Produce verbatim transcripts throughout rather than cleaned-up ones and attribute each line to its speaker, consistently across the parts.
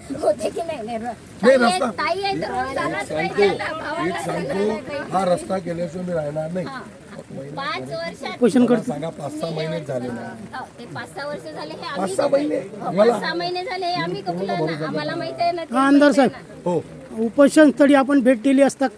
Speaker 1: होते की नाही नाही
Speaker 2: नाही, रस्ता-
Speaker 1: ताई आहे तर रोज जाणारच नाही
Speaker 2: सांगतो
Speaker 1: त्याला. भावाला
Speaker 2: एक सांगतो हा रस्ता केल्याशिवाय मी राहणार नाही.
Speaker 1: पाच वर्षात
Speaker 3: क्वेश्चन
Speaker 2: मला
Speaker 3: करतो.
Speaker 2: सांगा पाच सहा महिने झाले ना.
Speaker 1: हो, ते पाच सहा वर्ष झाले हे
Speaker 2: पाच
Speaker 1: आम्ही
Speaker 2: सहा महिने
Speaker 1: हो,
Speaker 2: मला
Speaker 1: पाच सहा महिने झाले हे आम्ही कबूल आहे ना. आम्हाला माहिती आहे ना ते
Speaker 3: हा आमदार
Speaker 1: माहिती आहे
Speaker 3: साहेब,
Speaker 2: हो
Speaker 3: उपोषण स्थळी आपण भेट दिली असता.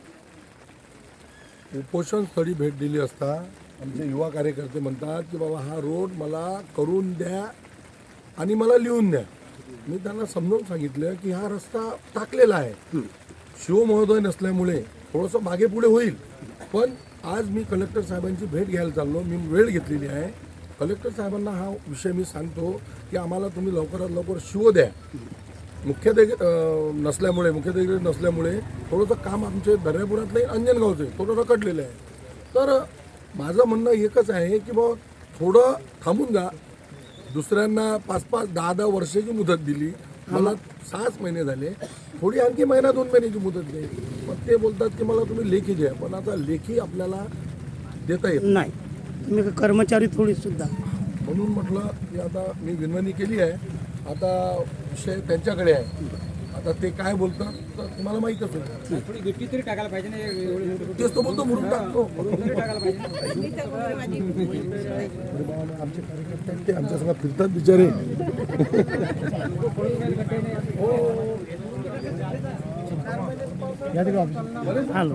Speaker 2: उपोषण स्थळी भेट दिली असता आमचे युवा कार्यकर्ते म्हणतात की बाबा हा रोड मला करून द्या आणि मला लिहून द्या. मी त्यांना समजावून सांगितलं की हा रस्ता टाकलेला आहे, शिवमहोदय नसल्यामुळे थोडंसं मागे पुढे होईल. पण आज मी कलेक्टर साहेबांची भेट घ्यायला चाललो, मी वेळ घेतलेली आहे. कलेक्टर साहेबांना हा विषय मी सांगतो की आम्हाला तुम्ही लवकरात लवकर शिव द्या. मुख्याधिकारी अं, नसल्यामुळे मुख्याधिकारी नसल्यामुळे थोडंसं काम आमचे दर्यापुरातलं अंजनगावचं आहे, थोडं रखडलेलं आहे. तर माझं म्हणणं एकच आहे की बाबा थोडं थांबून जा. दुसऱ्यांना पाच पाच दहा दहा वर्षाची मुदत दिली, मला सहाच महिने झाले, थोडी आणखी महिना दोन महिन्याची मुदत द्या. पण ते बोलतात की मला तुम्ही लेखी द्या. पण आता लेखी आपल्याला देता येत
Speaker 3: नाही, तुम्ही कर्मचारी थोडी सुद्धा.
Speaker 2: म्हणून म्हटलं की आता मी विनवणी केली आहे. आता विषय त्यांच्याकडे आहे. आता ते काय बोलतात तर तुम्हाला माहीतच होईल.
Speaker 4: थोडी गिट्टी तरी टाकायला पाहिजे ना एवढे
Speaker 2: तेच तो बोलतो म्हणून टाकतो.
Speaker 4: टाकायला पाहिजे.
Speaker 2: आमचे कार्यकर्ते आहेत ते आमच्या सगळं फिरतात बिचारे.
Speaker 3: हॅलो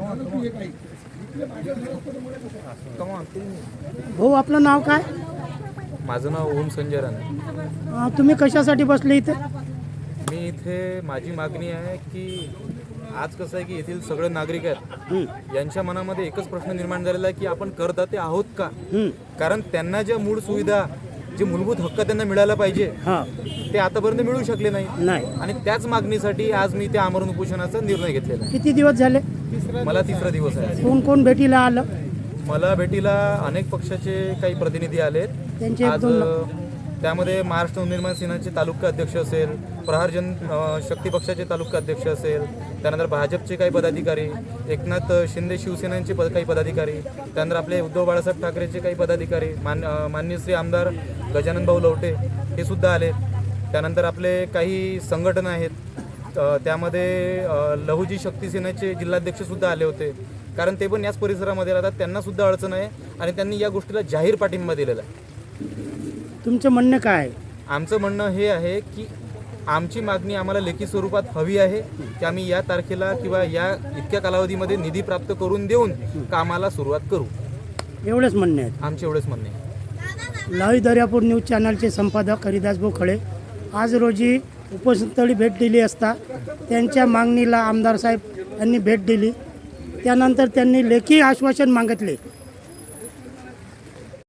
Speaker 3: भाऊ, आपलं नाव काय?
Speaker 5: माझं नाव ओम संजय राणे.
Speaker 3: अं, तुम्ही कशासाठी बसले इथे?
Speaker 5: मी इथे माझी मागणी आहे की आज कसं आहे की येथील सगळे नागरिक आहेत यांच्या मनामध्ये एकच प्रश्न निर्माण झालेला आहे की आपण करदाते आहोत का. कारण त्यांना ज्या मूळ सुविधा जे मूलभूत हक्क त्यांना मिळायला पाहिजे
Speaker 3: हां
Speaker 5: ते आतापर्यंत मिळू शकले नाही.
Speaker 3: नाही.
Speaker 5: आणि त्याच मागणीसाठी आज मी त्या आमरण उपोषणाचा निर्णय घेतलेला
Speaker 3: किती दिवस झाले?
Speaker 5: आहे. मला तिसरा दिवस आहे.
Speaker 3: कोण कोण भेटीला आलं?
Speaker 5: मला भेटीला अनेक पक्षाचे काही प्रतिनिधी आलेत.
Speaker 3: त्यांचे एक
Speaker 5: आज
Speaker 3: दोन
Speaker 5: अ, त्यामध्ये महाराष्ट्र नवनिर्माण सेनाचे तालुका अध्यक्ष असेल, प्रहार जन अ, शक्ती पक्षाचे तालुका अध्यक्ष असेल, त्यानंतर भाजपचे काही पदाधिकारी, एकनाथ शिंदे शिवसेनेचे पद काही पदाधिकारी, त्यानंतर आपले उद्धव बाळासाहेब ठाकरेचे काही पदाधिकारी, मान अ, माननीय श्री आमदार गजानन भाऊ लवटे हे सुद्धा आले. त्यानंतर आपले काही संघटना आहेत, अ, त्यामध्ये अ, लहुजी शक्ती सेनेचे जिल्हाध्यक्षसुद्धा आले होते. कारण ते पण याच परिसरामध्ये राहतात, त्यांनासुद्धा अडचण आहे आणि त्यांनी या गोष्टीला जाहीर पाठिंबा दिलेला आहे.
Speaker 3: तुमचं म्हणणं काय आहे?
Speaker 5: आमचं म्हणणं हे आहे की आमची मागणी आम्हाला लेखी स्वरूपात हवी आहे की आम्ही या तारखेला किंवा या इतक्या कालावधीमध्ये निधी प्राप्त करून देऊन कामाला सुरुवात करू.
Speaker 3: एवढंच म्हणणे आहे.
Speaker 5: आमचे एवढेच म्हणणे आहे.
Speaker 3: लाईव्ह दर्यापूर न्यूज चॅनलचे संपादक हरिदासभाऊ खळे आज रोजी उपोषणस्थळी भेट दिली असता त्यांच्या मागणीला आमदार साहेब यांनी भेट दिली. त्यानंतर त्यांनी लेखी आश्वासन मागितले